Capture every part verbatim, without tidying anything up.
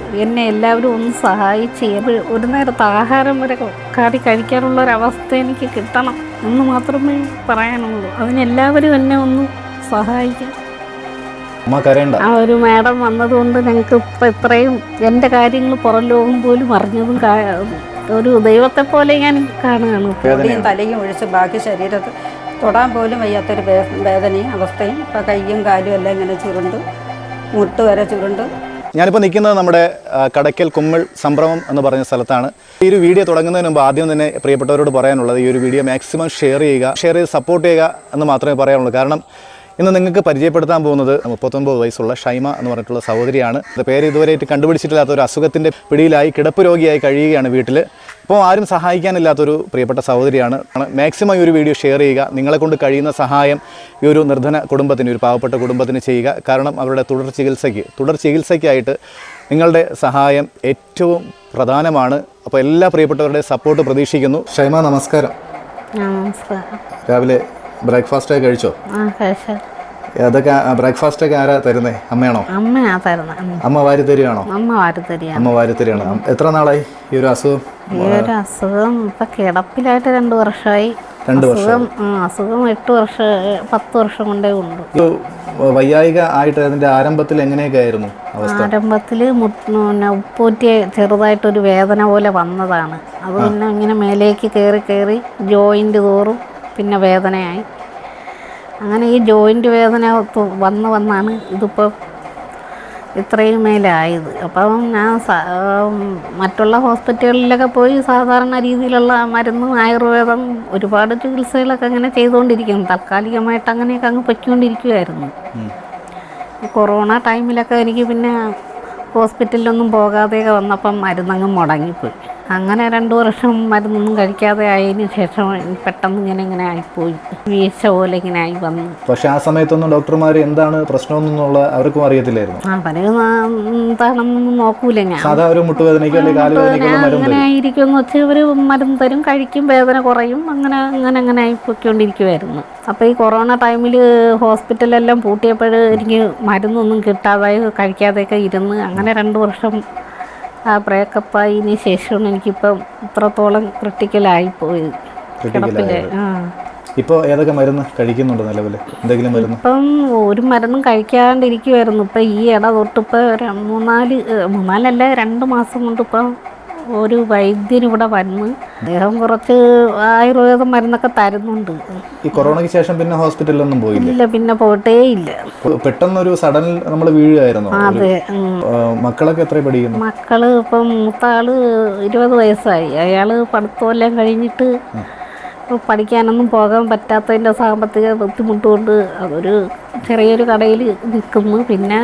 എന്നെ എല്ലാവരും ഒന്ന് സഹായിച്ച് ഒരു നേരത്തെ ആഹാരം വരെ കാടി കഴിക്കാനുള്ള ഒരവസ്ഥ എനിക്ക് കിട്ടണം എന്ന് മാത്രമേ പറയാനുള്ളൂ. അതിനെല്ലാവരും എന്നെ ഒന്ന് സഹായിക്കും. ആ ഒരു മാഡം വന്നതുകൊണ്ട് ഞങ്ങൾക്ക് ഇപ്പം ഇത്രയും എൻ്റെ കാര്യങ്ങൾ പുറം ലോകം പോലും അറിഞ്ഞതും ഒരു ദൈവത്തെ പോലെ ഞാൻ കാണുകയാണ്. പൊടിയും തലയും ഒഴിച്ച് ബാക്കി ശരീരത്തിൽ തൊടാൻ പോലും വയ്യാത്തൊരു വേദനയും അവസ്ഥയും. ഇപ്പം കയ്യും കാലും എല്ലാം ഇങ്ങനെ ചുരുണ്ട്, മുട്ട് വരെ ചുരുണ്ട്. ഞാനിപ്പോൾ നിൽക്കുന്നത് നമ്മുടെ കടയ്ക്കൽ കുമ്മിൾ സംഭ്രമം എന്ന് പറഞ്ഞ സ്ഥലത്താണ്. ഈ ഒരു വീഡിയോ തുടങ്ങുന്നതിന് മുമ്പ് ആദ്യം തന്നെ പ്രിയപ്പെട്ടവരോട് പറയാനുള്ളത്, ഈ ഒരു വീഡിയോ മാക്സിമം ഷെയർ ചെയ്യുക, ഷെയർ ചെയ്ത് സപ്പോർട്ട് ചെയ്യുക എന്ന് മാത്രമേ പറയാനുള്ളൂ. കാരണം ഇന്ന് നിങ്ങൾക്ക് പരിചയപ്പെടുത്താൻ പോകുന്നത് മുപ്പത്തൊമ്പത് വയസ്സുള്ള ഷൈമ എന്ന് പറഞ്ഞിട്ടുള്ള സഹോദരിയാണ്. പേര് ഇതുവരെയായിട്ട് കണ്ടുപിടിച്ചിട്ടില്ലാത്ത ഒരു അസുഖത്തിൻ്റെ പിടിയിലായി കിടപ്പ് രോഗിയായി കഴിയുകയാണ് വീട്ടിൽ. അപ്പോൾ ആരും സഹായിക്കാനില്ലാത്തൊരു പ്രിയപ്പെട്ട സഹോദരിയാണ്. മാക്സിമം ഈ ഒരു വീഡിയോ ഷെയർ ചെയ്യുക. നിങ്ങളെ കൊണ്ട് കഴിയുന്ന സഹായം ഈ ഒരു നിർധന കുടുംബത്തിന്, ഒരു പാവപ്പെട്ട കുടുംബത്തിന് ചെയ്യുക. കാരണം അവരുടെ തുടർ ചികിത്സയ്ക്ക് തുടർ ചികിത്സയ്ക്കായിട്ട് നിങ്ങളുടെ സഹായം ഏറ്റവും പ്രധാനമാണ്. അപ്പോൾ എല്ലാ പ്രിയപ്പെട്ടവരുടെ സപ്പോർട്ട് പ്രതീക്ഷിക്കുന്നു. ഷൈമ നമസ്കാരം. രാവിലെ ബ്രേക്ക്ഫാസ്റ്റ് ഒക്കെ കഴിച്ചോ? അതൊക്കെ ബ്രേക്ക്ഫാസ്റ്റ് ഒക്കെ ആരാ തരുന്നേ? അമ്മയാണോ? അമ്മയാ തരുന്നത്. അമ്മ വാരി തരികയാണോ? അമ്മ വാരി തരിക. അമ്മ വാരി തരികയാണ്. എത്ര നാളായി ഈ ഒരു അസുഖം? ഈ ഒരു അസുഖം ഇപ്പൊ കിടപ്പിലായിട്ട് രണ്ടു വർഷമായി. രണ്ടു വർഷം അസുഖം എട്ട് വർഷം പത്ത് വർഷം കൊണ്ടേ ഉണ്ട്. വയ്യായിക ആയിട്ട് അതിന്റെ ആരംഭത്തിൽ എങ്ങനെയൊക്കെ ആയിരുന്നു അവസ്ഥ? ആരംഭത്തിൽ ഉപ്പൂറ്റിയ ചെറുതായിട്ടൊരു വേദന പോലെ വന്നതാണ്. അത് പിന്നെ ഇങ്ങനെ മേലേക്ക് കയറി കയറി ജോയിന്റ് തോറും പിന്നെ വേദനയായി. അങ്ങനെ ഈ ജോയിൻ്റ് വേദന വന്ന് വന്നാണ് ഇതിപ്പോൾ ഇത്രയും മേലായത്. അപ്പം ഞാൻ മറ്റുള്ള ഹോസ്പിറ്റലുകളിലൊക്കെ പോയി സാധാരണ രീതിയിലുള്ള മരുന്നും ആയുർവേദം ഒരുപാട് ചികിത്സകളൊക്കെ അങ്ങനെ ചെയ്തുകൊണ്ടിരിക്കുന്നു. താൽക്കാലികമായിട്ട് അങ്ങനെയൊക്കെ അങ്ങ് പൊയ്ക്കൊണ്ടിരിക്കുമായിരുന്നു. കൊറോണ ടൈമിലൊക്കെ എനിക്ക് പിന്നെ ഹോസ്പിറ്റലിലൊന്നും പോകാതെയൊക്കെ വന്നപ്പം മരുന്നങ്ങ് മുടങ്ങിപ്പോയി. അങ്ങനെ രണ്ടു വർഷം മരുന്നൊന്നും കഴിക്കാതെ ആയതിനു ശേഷം പെട്ടെന്ന് ഇങ്ങനെ ഇങ്ങനെ ആയിപ്പോയി, വീഴ്ച പോലെ ഇങ്ങനെ ആയി വന്നു. പക്ഷെ ആ സമയത്തൊന്നും ഡോക്ടർമാർ എന്താണ് പ്രശ്നമെന്നുള്ള അവർക്കും അറിയത്തില്ലായിരുന്നു. അവര് എന്താണെന്നൊന്നും നോക്കൂല. ഞാൻ അങ്ങനെ ആയിരിക്കുമെന്ന് വെച്ചാൽ ഇവര് മരുന്ന് തരും, കഴിക്കും, വേദന കുറയും, അങ്ങനെ അങ്ങനെ അങ്ങനെ ആയിപ്പോയിക്കൊണ്ടിരിക്കുമായിരുന്നു. അപ്പോൾ ഈ കൊറോണ ടൈമിൽ ഹോസ്പിറ്റലെല്ലാം പൂട്ടിയപ്പോൾ എനിക്ക് മരുന്നൊന്നും കിട്ടാതായി കഴിക്കാതെയൊക്കെ ഇരുന്ന് അങ്ങനെ രണ്ട് വർഷം ആ ബ്രേക്കപ്പായതിന് ശേഷമാണ് എനിക്കിപ്പം ഇത്രത്തോളം ക്രിട്ടിക്കലായിപ്പോയത്. കിടപ്പില്ലേ. ആ ഇപ്പോൾ ഏതൊക്കെ മരുന്ന് കഴിക്കുന്നുണ്ട് നിലവിൽ? എന്തെങ്കിലും മരുന്ന്? ഇപ്പം ഒരു മരുന്നും കഴിക്കാണ്ടിരിക്കുമായിരുന്നു. ഇപ്പം ഈ ഇട തൊട്ടിപ്പോൾ മൂന്നാല് മൂന്നാലല്ല രണ്ട് മാസം കൊണ്ട് ഇപ്പം ഒരു വൈദ്യൻ ഇവിടെ വന്ന് അദ്ദേഹം കുറച്ച് ആയുർവേദ മരുന്നൊക്കെ തരുന്നുണ്ട്. ഈ കൊറോണയ്ക്ക് ശേഷം പിന്നെ ഹോസ്പിറ്റലിലൊന്നും പോയില്ല? ഇല്ല, പിന്നെ പോയിട്ടേ ഇല്ല. പെട്ടെന്നൊരു സഡൻ നമ്മൾ വീഴുകയായിരുന്നു. അതെ. മക്കളൊക്കെ എത്ര പഠിക്കുന്നു? മക്കള് ഇപ്പം മൂത്ത ആള് ഇരുപത് വയസ്സായി. അയാള് പഠിത്തമെല്ലാം കഴിഞ്ഞിട്ട് പഠിക്കാനൊന്നും പോകാൻ പറ്റാത്തതിൻ്റെ സാമ്പത്തിക ബുദ്ധിമുട്ട് കൊണ്ട് അതൊരു ചെറിയൊരു കടയിൽ നിൽക്കുന്നു. പിന്നെ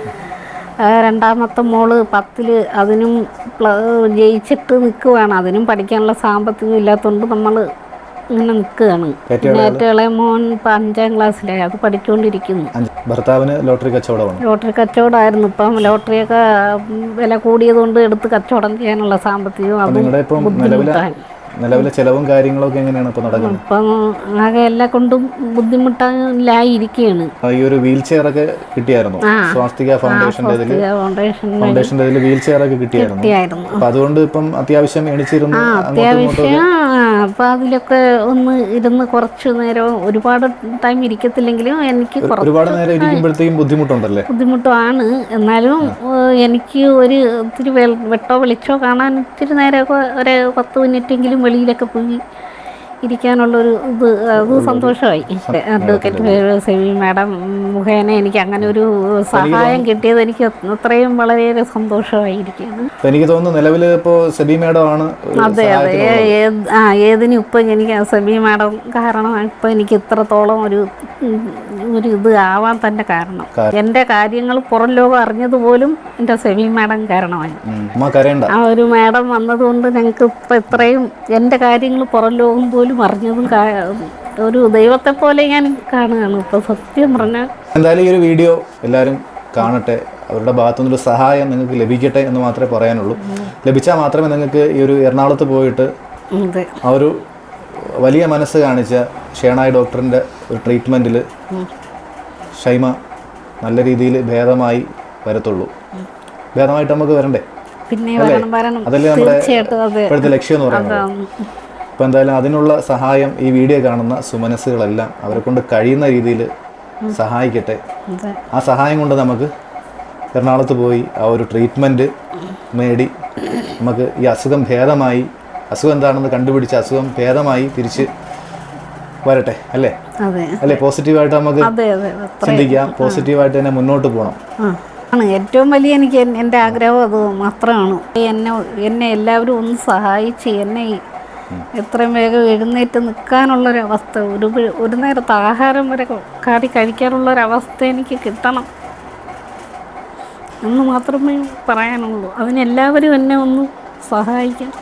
രണ്ടാമത്തെ മോള് പത്തിൽ, അതിനും ജയിച്ചിട്ട് നിൽക്കുകയാണ്. അതിനും പഠിക്കാനുള്ള സാമ്പത്തികം ഇല്ലാത്തതുകൊണ്ട് നമ്മൾ ഇങ്ങനെ നിൽക്കുകയാണ്. പിന്നെ ഏറ്റവും ഇളയ മോൻ ഇപ്പം അഞ്ചാം ക്ലാസ്സിലായി, അത് പഠിച്ചുകൊണ്ടിരിക്കുന്നു. ഭർത്താവിന് ലോട്ടറി കച്ചവടമാണ്. ലോട്ടറി കച്ചവടമായിരുന്നു. ഇപ്പം ലോട്ടറിയൊക്കെ വില കൂടിയതുകൊണ്ട് എടുത്ത് കച്ചവടം ചെയ്യാനുള്ള സാമ്പത്തികം അത് ബുദ്ധിമുട്ടാണ്. നിലവിലെ ചെലവും കാര്യങ്ങളൊക്കെ എങ്ങനെയാണ് ഇപ്പോൾ നടക്കുന്നത്? ഇപ്പം ആകെ എല്ലാം കൊണ്ടും ബുദ്ധിമുട്ടായിരിക്കുകയാണ്. ഈ ഒരു വീൽ ചെയർ ഒക്കെ കിട്ടിയായിരുന്നു സ്വാസ്തിക ഫൗണ്ടേഷന്റെ ഫൗണ്ടേഷന്റെ വീൽ ചെയർ ഒക്കെ കിട്ടിയായിരുന്നു. അപ്പൊ അതുകൊണ്ട് ഇപ്പം അത്യാവശ്യം എണിച്ചിരുന്നു. അത്യാവശ്യം അപ്പൊ അതിലൊക്കെ ഒന്ന് ഇരുന്ന് കുറച്ചു നേരം, ഒരുപാട് ടൈം ഇരിക്കത്തില്ലെങ്കിലും എനിക്ക് ഒരുപാട് നേരം ഇരിക്കുമ്പോഴത്തേക്കും ബുദ്ധിമുട്ടുണ്ടല്ലേ? ബുദ്ധിമുട്ടാണ്. എന്നാലും എനിക്ക് ഒരു ഇത്തിരി വെട്ടോ വെളിച്ചോ കാണാൻ ഇത്തിരി നേരമൊക്കെ ഒരു പത്ത് മിനിറ്റെങ്കിലും വെളിയിലൊക്കെ പോയി ഇരിക്കാനുള്ളൊരു ഇത് അത് സന്തോഷമായി. അഡ്വക്കേറ്റ് സെബി മാഡം മുഖേന എനിക്ക് അങ്ങനെ ഒരു സഹായം കിട്ടിയത് എനിക്ക് അത്രയും വളരെയേറെ സന്തോഷമായിരിക്കുകയാണ്. എനിക്ക് തോന്നുന്നു നിലവിൽ ഇപ്പോൾ സെബി മാഡം ആണ്. അതെ അതെ. ആ ഏതിനും ഇപ്പം എനിക്ക് സെബി മാഡം കാരണം ഇപ്പം എനിക്ക് ഇത്രത്തോളം ഒരു ഒരു ഇത് ആവാൻ തന്നെ കാരണം. എൻ്റെ കാര്യങ്ങൾ പുറം ലോകം അറിഞ്ഞതുപോലും എൻ്റെ സെബി മാഡം കാരണമായി. ആ ഒരു മാഡം വന്നതുകൊണ്ട് ഞങ്ങൾക്ക് ഇപ്പം ഇത്രയും എൻ്റെ കാര്യങ്ങൾ പുറം ലോകം പോലും അറിഞ്ഞതും ഒരു ദൈവത്തെ പോലെ ഞാൻ കാണുകയാണ് ഇപ്പൊ, സത്യം പറഞ്ഞാൽ. എന്തായാലും ഈ ഒരു വീഡിയോ എല്ലാവരും കാണട്ടെ, അവരുടെ ഭാഗത്തുനിന്നൊരു സഹായം നിങ്ങൾക്ക് ലഭിക്കട്ടെ എന്ന് മാത്രമേ പറയാനുള്ളൂ. ലഭിച്ചാൽ മാത്രമേ നിങ്ങൾക്ക് ഈ ഒരു എറണാകുളത്ത് പോയിട്ട് ആ ഒരു വലിയ മനസ്സ് കാണിച്ച ഷേണായി ഡോക്ടറിൻ്റെ ഒരു ട്രീറ്റ്മെൻറ്റിൽ ഷൈമ നല്ല രീതിയിൽ ഭേദമായി വരത്തുള്ളൂ. ഭേദമായിട്ട് നമുക്ക് വരണ്ടേ? പിന്നെ വരണം വരണം അതല്ലേ നമ്മുടെ തീർച്ചയായിട്ടും അതെ ഇപ്പോഴത്തെ ലക്ഷ്യം എന്ന് പറയുന്നത്. അതാണ്. അപ്പോൾ എന്തായാലും അതിനുള്ള സഹായം ഈ വീഡിയോ കാണുന്ന സുമനസ്സുകളെല്ലാം അവരെ കൊണ്ട് കഴിയുന്ന രീതിയിൽ സഹായിക്കട്ടെ. അതെ ആ സഹായം കൊണ്ട് നമുക്ക് എറണാകുളത്ത് പോയി ആ ഒരു ട്രീറ്റ്മെൻറ്റ് നേടി നമുക്ക് ഈ അസുഖം ഭേദമായി, അസുഖം എന്താണെന്ന് കണ്ടുപിടിച്ച് അസുഖം ഭേദമായി തിരിച്ച് വരട്ടെ അല്ലേ? അതെ അല്ലേ? പോസിറ്റീവായിട്ട് നമുക്ക് അതെ അതെ അത്ര ചിന്തിക്കാം, പോസിറ്റീവായിട്ട് തന്നെ മുന്നോട്ട് പോകണം. ആ ആണ് ഏറ്റവും വലിയ എനിക്ക് എൻ- എൻ്റെ ആഗ്രഹം അത് മാത്രമാണ്. എന്നെ എന്നെ എല്ലാവരും ഒന്ന് സഹായിച്ച് എന്നെ ഈ എത്രയും വേഗം എഴുന്നേറ്റ് നിൽക്കാനുള്ളൊരവസ്ഥ, ഒരു പി- ഒരു നേരത്തെ ആഹാരം വരെ കാടി കഴിക്കാനുള്ളൊരവസ്ഥ എനിക്ക് കിട്ടണം എന്ന് മാത്രമേ പറയാനുള്ളൂ. അതിനെല്ലാവരും എന്നെ ഒന്ന് സഹായിക്കാം.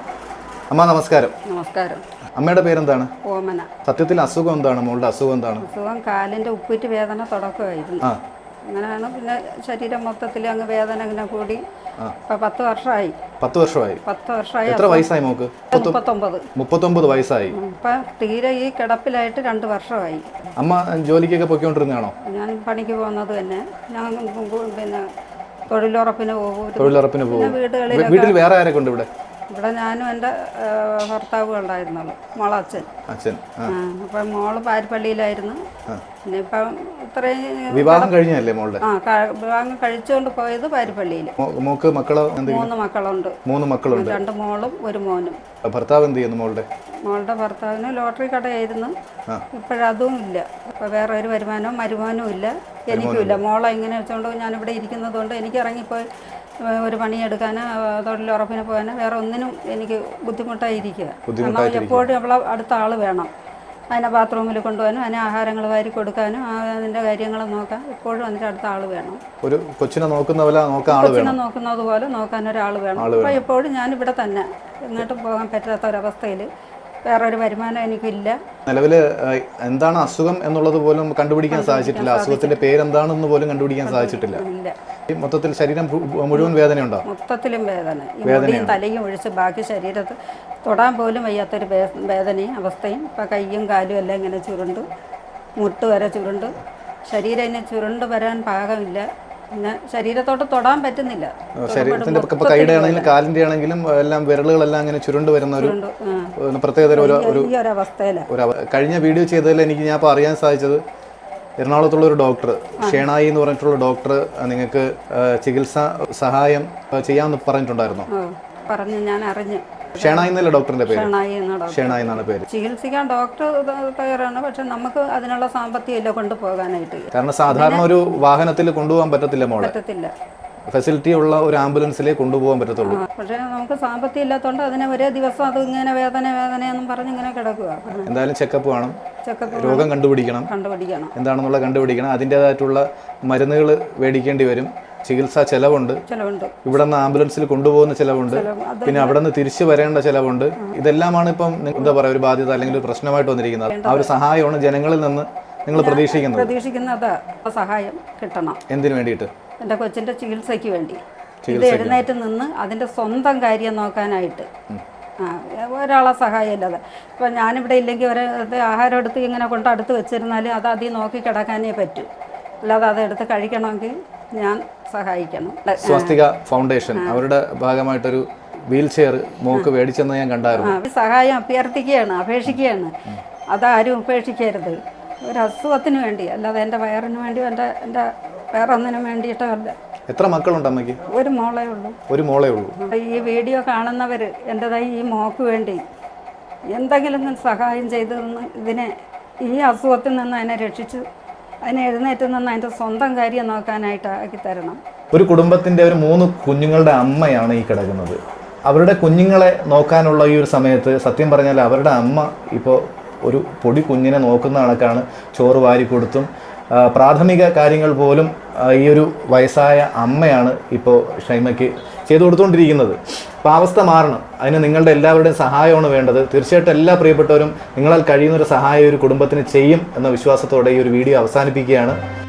അമ്മ നമസ്കാരം. നമസ്കാരം. അമ്മയുടെ പേരെന്താണ്? ഓമന. സത്യത്തിൽ അസുഖം എന്താണ്? മോളുടെ അസുഖം എന്താണ്? അസുഖം കാലിൻ്റെ ഉപ്പൂറ്റ് വേദന തുടക്കമായിരുന്നു. ആ അങ്ങനെയാണ് പിന്നെ ശരീരം മൊത്തത്തിൽ അങ്ങ് വേദന ഇങ്ങനെ കൂടി ഇപ്പം പത്ത് വർഷമായി. പത്ത് വർഷമായി. പത്ത് വർഷമായി. എത്ര വയസ്സായി മോക്ക്? മുപ്പത്തൊമ്പത്. മുപ്പത്തൊമ്പത് വയസ്സായി. ഇപ്പം തീരെ ഈ കിടപ്പിലായിട്ട് രണ്ട് വർഷമായി. അമ്മ ജോലിക്കൊക്കെ പൊയ്ക്കൊണ്ടിരുന്നതാണോ? ഞാൻ പണിക്ക് പോകുന്നത് തന്നെ. ഞാൻ പിന്നെ തൊഴിലുറപ്പിന് പോകും. തൊഴിലുറപ്പിന് പോകും. വീടുകളിൽ വീട്ടിൽ വേറെ ആരൊക്കെ ഉണ്ട് ഇവിടെ? ഇവിടെ ഞാനും എൻ്റെ ഭർത്താവും ഉണ്ടായിരുന്നുള്ളൂ, മോളച്ഛൻ. അച്ഛൻ. ആ. അപ്പം മോള് പാരിപ്പള്ളിയിലായിരുന്നു. പിന്നെ ഇപ്പം ഇത്രയും വിവാഹം കഴിഞ്ഞല്ലേ മോളുടെ? ആ ക- വിവാഹം കഴിച്ചുകൊണ്ട് പോയത് പാരിപ്പള്ളിയിൽ. മോ- മോക്ക് മക്കളോ? എന്തെങ്കിലും? മൂന്ന് മക്കളുണ്ട്. മൂന്ന് മക്കളുണ്ട്. രണ്ട് മോളും ഒരു മോനും. ഭർത്താവ് എന്ത് ചെയ്യുന്നു മോളുടെ? മോളുടെ ഭർത്താവിന് ലോട്ടറി കടയായിരുന്നു. ഇപ്പോഴതും ഇല്ല. ഇപ്പം വേറെ ഒരു വരുമാനവും മരുമാനവും ഇല്ല, എനിക്കും ഇല്ല. മോളെ ഇങ്ങനെ വെച്ചുകൊണ്ട് ഞാനിവിടെ ഇരിക്കുന്നത് കൊണ്ട് എനിക്ക് ഇറങ്ങിപ്പോയി ഒരു പണിയെടുക്കാനോ തൊഴിലുറപ്പിന് പോകാനോ വേറെ ഒന്നിനും എനിക്ക് ബുദ്ധിമുട്ടായിരിക്കുക. കാരണം എപ്പോഴും അവളെ അടുത്ത ആൾ വേണം. അതിനെ ബാത്റൂമിൽ കൊണ്ടുപോകാനും അതിനെ ആഹാരങ്ങൾ വാരി കൊടുക്കാനും അതിൻ്റെ കാര്യങ്ങൾ നോക്കാൻ എപ്പോഴും അതിൻ്റെ അടുത്ത ആൾ വേണം. ഒരു കൊച്ചിനെ നോക്കുന്ന പോലെ നോക്കാൻ ആൾ വേണം. കൊച്ചിനെ നോക്കുന്നത് പോലെ നോക്കാൻ ഒരാൾ വേണം. അപ്പോൾ എപ്പോഴും ഞാനിവിടെ തന്നെ, എങ്ങോട്ടും പോകാൻ പറ്റാത്ത ഒരവസ്ഥയിൽ വേറൊരു വരുമാനം എനിക്കില്ല. നിലവിൽ എന്താണ് അസുഖം എന്നുള്ളത് പോലും കണ്ടുപിടിക്കാൻ സാധിച്ചിട്ടില്ല. അസുഖത്തിന്റെ പേരെന്താണെന്ന് പോലും കണ്ടുപിടിക്കാൻ സാധിച്ചിട്ടില്ല. ഇല്ല. മൊത്തത്തിൽ ശരീരം മുഴുവൻ വേദനയുണ്ടോ? മൊത്തത്തിലും വേദന. ഈ മുടിയും തലയും ഒഴിച്ച് ബാക്കി ശരീരത്ത് തൊടാൻ പോലും വയ്യാത്തൊരു വേ- വേദനയും അവസ്ഥയും. ഇപ്പം കയ്യും കാലും എല്ലാം ഇങ്ങനെ ചുരുണ്ട്, മുട്ട് വരെ ചുരുണ്ട്, ശരീരം ഇനി ചുരുണ്ട് വരാൻ പാകമില്ല. പിന്നെ ശരീരത്തോട്ട് തൊടാൻ പറ്റുന്നില്ല. ശരീരത്തിന്റെ ഇപ്പൊ കൈയുടെ ആണെങ്കിലും കാലിന്റെ ആണെങ്കിലും എല്ലാം വിരലുകളെല്ലാം അങ്ങനെ ചുരുണ്ട് വരുന്ന ഒരു ആ. പ്രത്യേകതരം ഒരു ഒരു ഈ ഒരു അവസ്ഥയിലാണ്. ഒരു അവ- കഴിഞ്ഞ വീഡിയോ ചെയ്തതിൽ എനിക്ക് ഞാൻ ഇപ്പോൾ അറിയാൻ സാധിച്ചത് എറണാകുളത്തുള്ള ഒരു ഡോക്ടർ ഷേണായി എന്ന് പറഞ്ഞിട്ടുള്ള ഡോക്ടർ നിങ്ങൾക്ക് ചികിത്സാ സഹായം ചെയ്യാമെന്ന് പറഞ്ഞിട്ടുണ്ടായിരുന്നു. ഓ, പറഞ്ഞു, ഞാൻ അറിഞ്ഞു. ഷേണായി എന്നല്ലേ ഡോക്ടറിന്റെ പേര്? ഷേണായി എന്ന ഡോക്ടർ. ഷേണായി എന്നാണ് പേര്. ചികിത്സിക്കാൻ ഡോക്ടർ തയ്യാറാണ്, പക്ഷെ നമുക്ക് അതിനുള്ള സാമ്പത്തികം ഇല്ല കൊണ്ടുപോകാനായിട്ട്. കാരണം സാധാരണ ഒരു വാഹനത്തിൽ കൊണ്ടുപോകാൻ പറ്റത്തില്ല മോളെ. പറ്റത്തില്ല. ഫെസിലിറ്റി ഉള്ള ഒരു ആംബുലൻസിലേ കൊണ്ടുപോകാൻ പറ്റത്തുള്ളൂ. ആ, പക്ഷേ നമുക്ക് സാമ്പത്തികം ഇല്ലാത്തതുകൊണ്ട് അതിനെ ഒരേ ദിവസം അത് ഇങ്ങനെ വേദന വേദനയെന്നും പറഞ്ഞ് ഇങ്ങനെ കിടക്കുക. എന്തായാലും ചെക്കപ്പ് വേണം, ചെക്കപ്പ് രോഗം കണ്ടുപിടിക്കണം, കണ്ടുപിടിക്കണം, എന്താണെന്നുള്ള കണ്ടുപിടിക്കണം. അതിൻ്റെതായിട്ടുള്ള മരുന്നുകൾ മേടിക്കേണ്ടി വരും, ചികിത്സാ ചെലവുണ്ട്, ചിലവുണ്ട്, ഇവിടെ നിന്ന് ആംബുലൻസിൽ കൊണ്ടുപോകുന്ന ചിലവുണ്ട്, പിന്നെ അവിടെ നിന്ന് തിരിച്ചു വരേണ്ട ചിലവുണ്ട്. ഇതെല്ലാമാണ് ഇപ്പം എന്താ പറയുക ഒരു ബാധ്യത അല്ലെങ്കിൽ ഒരു പ്രശ്നമായിട്ട് വന്നിരിക്കുന്നത്. ആ ഒരു സഹായമാണ് ജനങ്ങളിൽ നിന്ന് നിങ്ങൾ പ്രതീക്ഷിക്കുന്നത്. പ്രതീക്ഷിക്കുന്നത് സഹായം കിട്ടണം. എന്തിനു വേണ്ടിയിട്ട്? എൻ്റെ കൊച്ചിൻ്റെ ചികിത്സയ്ക്ക് വേണ്ടി. ഇത് എഴുന്നേറ്റ് നിന്ന് അതിൻ്റെ സ്വന്തം കാര്യം നോക്കാനായിട്ട്. ആ, ഒരാളെ സഹായം ഇല്ലാതെ ഇപ്പം ഞാനിവിടെ ഇല്ലെങ്കിൽ ഒരു ആഹാരം എടുത്ത് ഇങ്ങനെ കൊണ്ട് അടുത്ത് വെച്ചിരുന്നാൽ അത് അതിൽ നോക്കി കിടക്കാനേ പറ്റൂ. അല്ലാതെ അതെടുത്ത് കഴിക്കണമെങ്കിൽ ഞാൻ സഹായിക്കണം. സ്വസ്തിക ഫൗണ്ടേഷൻ അവരുടെ ഭാഗമായിട്ടൊരു വീൽ ചെയർ മോക്ക് മേടിച്ചെന്ന് ഞാൻ കണ്ടായിരുന്നു. ആ, സഹായം അഭ്യർത്ഥിക്കുകയാണ്, അപേക്ഷിക്കുകയാണ്. അതാരും ഉപേക്ഷിക്കരുത്. ഒരു അസുഖത്തിന് വേണ്ടി, അല്ലാതെ എൻ്റെ വയറിന് വേണ്ടി എൻ്റെ എൻ്റെ വേറെ ഒന്നിനും വേണ്ടിയിട്ടല്ല. എത്ര മക്കളുണ്ട് അമ്മയ്ക്ക്? ഒരു മോളേ ഉള്ളൂ. ഒരു മോളേ ഉള്ളൂ. ഈ വീഡിയോ കാണുന്നവർ എൻ്റെതായി ഈ മോക്ക് വേണ്ടി എന്തെങ്കിലും സഹായം ചെയ്തു തന്ന് ഇതിനെ ഈ അസുഖത്തിൽ നിന്ന് അതിനെ രക്ഷിച്ച് അതിനെ എഴുന്നേറ്റ് നിന്ന് അതിൻ്റെ സ്വന്തം കാര്യം നോക്കാനായിട്ട് ആക്കി തരണം. ഒരു കുടുംബത്തിൻ്റെ ഒരു മൂന്ന് കുഞ്ഞുങ്ങളുടെ അമ്മയാണ് ഈ കിടക്കുന്നത്. അവരുടെ കുഞ്ഞുങ്ങളെ നോക്കാനുള്ള ഈ ഒരു സമയത്ത് സത്യം പറഞ്ഞാൽ അവരുടെ അമ്മ ഇപ്പോൾ ഒരു പൊടി കുഞ്ഞിനെ നോക്കുന്ന കണക്കാണ്. ചോറ് വാരി കൊടുത്തും പ്രാഥമിക കാര്യങ്ങൾ പോലും ഈ ഒരു വയസ്സായ അമ്മയാണ് ഇപ്പോൾ ഷൈമയ്ക്ക് ചെയ്തു കൊടുത്തുകൊണ്ടിരിക്കുന്നത്. അപ്പോൾ അവസ്ഥ മാറണം. അതിന് നിങ്ങളുടെ എല്ലാവരുടെയും സഹായമാണ് വേണ്ടത്. തീർച്ചയായിട്ടും എല്ലാ പ്രിയപ്പെട്ടവരും നിങ്ങളാൽ കഴിയുന്നൊരു സഹായം ഒരു കുടുംബത്തിന് ചെയ്യും എന്ന വിശ്വാസത്തോടെ ഈ ഒരു വീഡിയോ അവസാനിപ്പിക്കുകയാണ്.